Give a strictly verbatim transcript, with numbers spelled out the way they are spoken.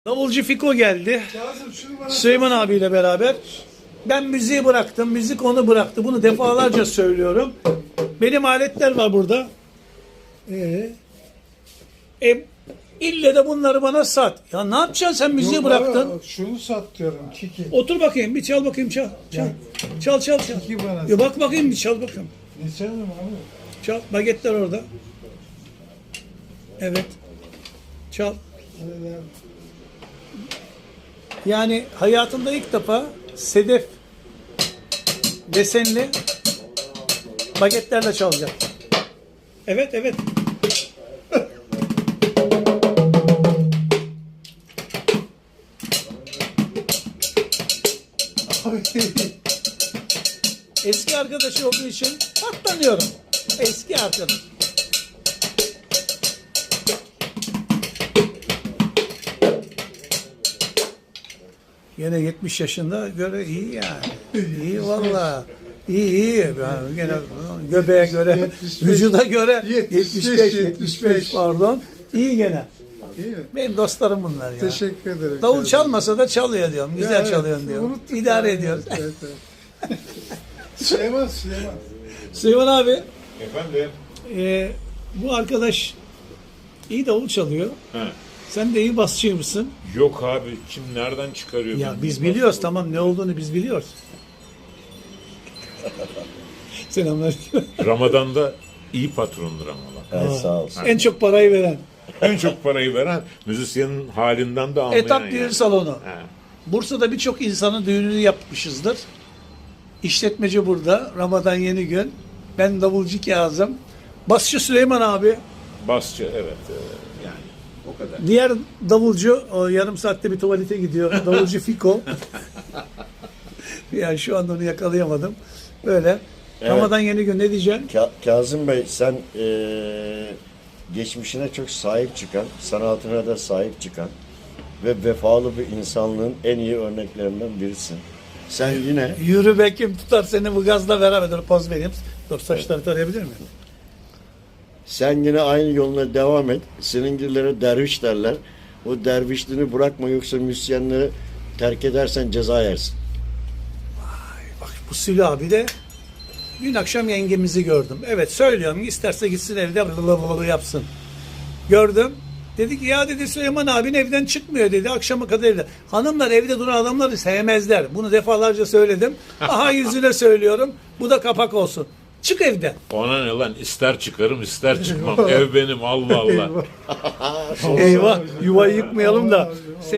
Davulcu Fiko geldi. Kazım şunu bana Süleyman abiyle beraber. Ben müziği bıraktım. Müzik onu bıraktı. Bunu defalarca söylüyorum. Benim aletler var burada. Ee, e, ille de bunları bana sat. Ya ne yapacaksın sen müziği Yok, bıraktın? bana Şunu sat diyorum Kiki. Otur bakayım bir çal bakayım çal. Çal çal çal. çal. Kiki bana Ya bak bakayım bir çal bakayım. Ne canım abi? Çal. Bagetler orada. Evet. Çal. Öyle. Yani hayatımda ilk defa sedef desenli bagetlerle çalacak. Evet evet. Eski arkadaşı olduğu için katlanıyorum. Eski arkadaş. Yine yetmiş yaşında göre iyi yani. İyi valla. İyi iyi. Yani gene göbeğe göre, yetmiş beş, vücuda göre yetmiş beş, yetmiş beş, yetmiş beş pardon. İyi gene. İyi mi? Benim dostlarım bunlar ya. Teşekkür ederim. Davul Kazım. çalmasa da çalıyor diyorum. Güzel Ya evet, çalıyorsun diyorum. unuttuk İdare ya. ediyoruz. Evet, evet. Süleyman, Süleyman. Süleyman abi, Efendim? e, bu arkadaş iyi davul çalıyor. He. Sen de iyi basçıymışsın. Yok abi kim nereden çıkarıyor? Ya bunu? biz biliyoruz tamam ne olduğunu biz biliyoruz. Selamlar. Ramazan'da iyi patrondur Ramazan. Evet, sağ olsun. En çok parayı veren. En çok parayı veren müzisyenin halinden de anlayan. Etap düğün yani. salonu. He. Bursa'da birçok insanın düğününü yapmışızdır. İşletmeci burada. Ramazan yeni gün. Ben davulcu Kazım. Basçı Süleyman abi. Basçı evet e, yani o kadar. Diğer davulcu o yarım saatte bir tuvalete gidiyor. Davulcu Fiko. Yani şu anda onu yakalayamadım. Böyle. Evet. Ramazan yeni gün ne diyeceksin? Ka- Kazım Bey, sen eee, geçmişine çok sahip çıkan, sanatına da sahip çıkan ve vefalı bir insanlığın en iyi örneklerinden birisin. Sen yine Yürü be kim tutar seni bu gazla beraber. Dur poz vereyim. Dur saçları tarayabilir miyim? sen yine aynı yoluna devam et. Senin gillere derviş derler. O dervişliğini bırakma, yoksa müzisyenleri terk edersen ceza yersin. Bak bu Sülü abi de dün akşam yengemizi gördüm. Evet söylüyorum isterse gitsin evde blablabla yapsın. Gördüm. Dedi ki ya dedi Süleyman abin evden çıkmıyor dedi akşama kadar evde. Hanımlar evde duran adamları sevmezler. Bunu defalarca söyledim. Aha yüzüne söylüyorum. Bu da kapak olsun. Çık evden. Ona ne lan ister çıkarım ister çıkmam. Ev benim Allah Allah. Eyvah yuvayı yıkmayalım da.